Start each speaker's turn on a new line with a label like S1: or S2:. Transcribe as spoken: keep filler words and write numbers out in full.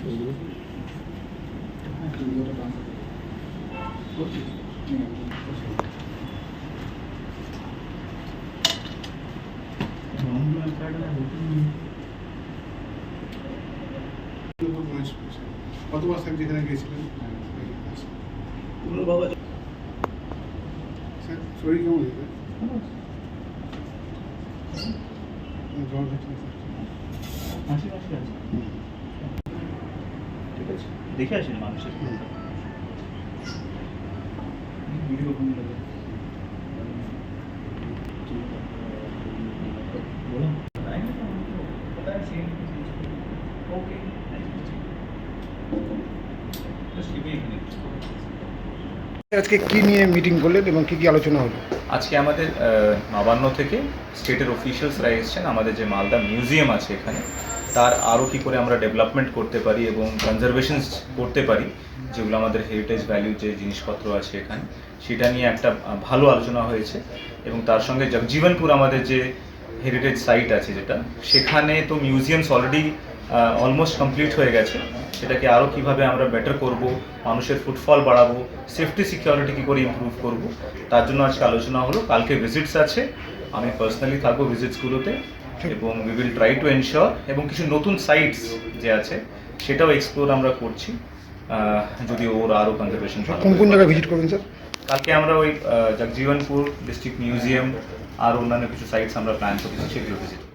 S1: কতবার স্যার যেখানে গিয়েছিলেন
S2: বাবা
S1: স্যার শরীর কেমন হয়েছে জ্বর হচ্ছে
S2: হাসি হাসি আছে ঠিক আছে দেখে আসেন মানুষের ভিডিও ফোন লাগে बोलो आएंगे तो हमको पता है same okay just give me एक मिनट
S1: আজকে কি নিয়ে মিটিং করলেন এবং কি কি আলোচনা হলো?
S3: আজকে আমাদের নবান্ন থেকে স্টেটের অফিসিয়ালসরা এসেছেন। আমাদের যে মালদা মিউজিয়াম আছে এখানে তার আরও কী করে আমরা ডেভেলপমেন্ট করতে পারি এবং কনজারভেশন করতে পারি, যেগুলো আমাদের হেরিটেজ ভ্যালু যে জিনিসপত্র আছে এখানে, সেটা নিয়ে একটা ভালো আলোচনা হয়েছে। এবং তার সঙ্গে জগজীবনপুর আমাদের যে হেরিটেজ সাইট আছে যেটা, সেখানে তো মিউজিয়ামস অলরেডি অলমোস্ট কমপ্লিট হয়ে গেছে। সেটাকে আরও কীভাবে আমরা বেটার করব, মানুষের ফুটফল বাড়াবো, সেফটি সিকিউরিটি কী করে ইমপ্রুভ করব, তার জন্য আজকে আলোচনা হলো। কালকে ভিজিটস আছে, আমি পার্সোনালি থাকবো ভিজিটসগুলোতে এবং we will try to ensure, এবং কিছু নতুন সাইটস যে আছে সেটাও এক্সপ্লোর আমরা করছি, যদি ওর আরও কনজারভেশন।
S1: কোন কোন জায়গায় ভিজিট করবেন স্যার?
S3: কালকে আমরা ওই জগজীবনপুর ডিস্ট্রিক্ট মিউজিয়াম আর অন্যান্য কিছু সাইটস আমরা প্ল্যান করছি, সেগুলো ভিজিট